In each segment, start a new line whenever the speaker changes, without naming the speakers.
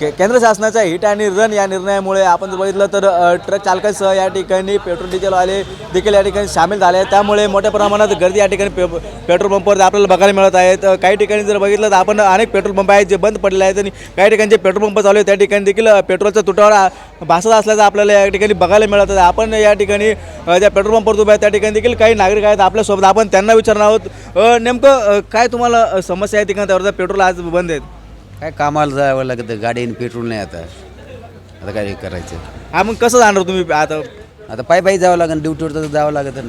केंद्र शासनाचा हिट आणि रन या निर्णयामुळे आपण जर बघितलं तर ट्रक चालकांसह या ठिकाणी पेट्रोल डिझेलवाले देखील या ठिकाणी सामील झाले आहेत। त्यामुळे मोठ्या प्रमाणात गर्दी या ठिकाणी पेट्रोल पंपावर आपल्याला बघायला मिळत आहेत। काही ठिकाणी जर बघितलं तर आपण अनेक पेट्रोल पंप आहेत जे बंद पडलेले आहेत आणि काही ठिकाणी जे पेट्रोल पंप चालू आहेत त्या ठिकाणी देखील पेट्रोलचा तुटवडा भासत असल्याचं आपल्याला या ठिकाणी बघायला मिळत आहे। आपण या ठिकाणी ज्या पेट्रोल पंपावर उभे आहेत त्या ठिकाणी देखील काही नागरिक आहेत आपल्यासोबत, आपण त्यांना विचारणार आहोत नेमकं काय तुम्हाला समस्या आहे ठिकाणी त्यावर पेट्रोल आज बंद आहेत?
काय कामाला जावं लागतं, गाडीने पेट्रोल नाही आता काय करायचं?
हा मग कसं जाणार तुम्ही आता
पायी जावं लागेल, ड्युटीवर तर जावं लागतं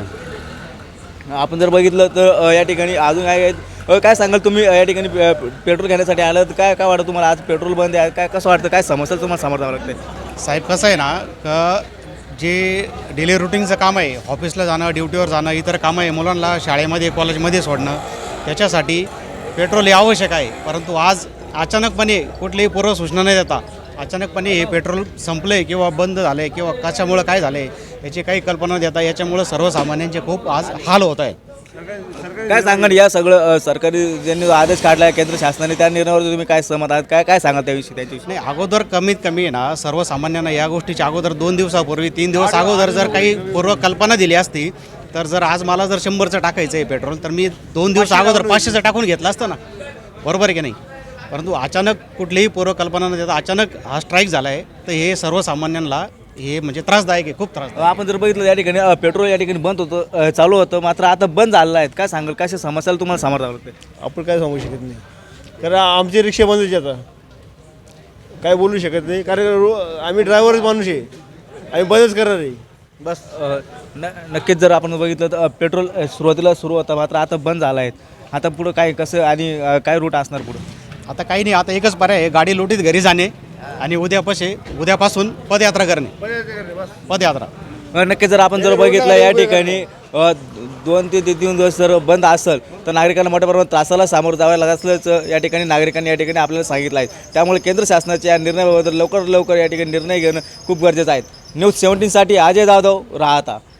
ना।
आपण जर बघितलं तर या ठिकाणी अजून काय आहेत काय सांगाल तुम्ही या ठिकाणी पेट्रोल घेण्यासाठी आलं तर काय वाटतं तुम्हाला? आज पेट्रोल बंद आहे, काय कसं वाटतं, काय समस्या तुम्हाला समोर जावं लागते?
साहेब कसं आहे ना का जे डेली रुटीनचं काम आहे, ऑफिसला जाणं, ड्युटीवर जाणं, इतर कामं आहे, मुलांना शाळेमध्ये कॉलेजमध्ये सोडणं, त्याच्यासाठी पेट्रोल हे आवश्यक आहे। परंतु आज अचानकपणे कुठलीही पूर्वसूचना न देता अचानकपणे हे पेट्रोल संपलं आहे किंवा बंद झालं आहे किंवा कशामुळं काय झालं आहे याची काही कल्पना देता याच्यामुळं सर्वसामान्यांचे खूप आज हाल होत आहे।
काय सांगाल या सगळं सरकारी ज्यांनी आदेश काढला आहे केंद्र शासनाने त्या निर्णयावर तुम्ही काय सहमत आहात? काय सांगाल त्याविषयी त्याच्याविषयी?
नाही, अगोदर कमीत कमी आहे ना सर्वसामान्यांना या गोष्टीच्या अगोदर 2 दिवसापूर्वी 3 दिवस अगोदर जर काही पूर्वकल्पना दिली असती तर जर आज मला जर 100चं टाकायचं आहे पेट्रोल तर मी 2 दिवस अगोदर 500चं टाकून घेतलं असतं ना, बरोबर आहे की नाही? परंतु अचानक कुठलीही पूर्वकल्पना न देता अचानक हा स्ट्राईक झाला आहे तर हे सर्वसामान्यांना हे म्हणजे त्रासदायक आहे, खूप त्रास।
आपण जर बघितलं या ठिकाणी पेट्रोल या ठिकाणी बंद होतं चालू होतं मात्र आता बंद झालेलं आहे, काय सांगाल कशा समस्याला तुम्हाला सामोरं जावं लागते?
आपण काय सांगू शकत नाही कारण आमचे रिक्षा बंद होते, आता काय बोलू शकत नाही कारण आम्ही ड्रायव्हरच माणूस आहे, आम्ही बंदच करणार आहे बस।
नक्कीच जर आपण बघितलं तर पेट्रोल सुरुवातीला सुरू होतं मात्र आता बंद झालं आहे, आता पुढं काय कसं आणि काय रूट असणार पुढं?
आता काही नाही, आता एकच पर्याय आहे, गाडी लोटीत घरी जाणे आणि उद्यापासून पदयात्रा करणे, पदयात्रा।
नक्की जर आपण जर बघितलं या ठिकाणी 2 ते 3 दिवस जर बंद असेल तर नागरिकांना मोठ्या प्रमाणात त्रासाला सामोरं जावं लागत असल्याचं या ठिकाणी नागरिकांनी या ठिकाणी आपल्याला सांगितलं आहे। त्यामुळे केंद्र शासनाच्या या निर्णयाबद्दल लवकर या ठिकाणी निर्णय घेणं खूप गरजेचं आहे। न्यूज 17साठी अजय जाधव, राहता।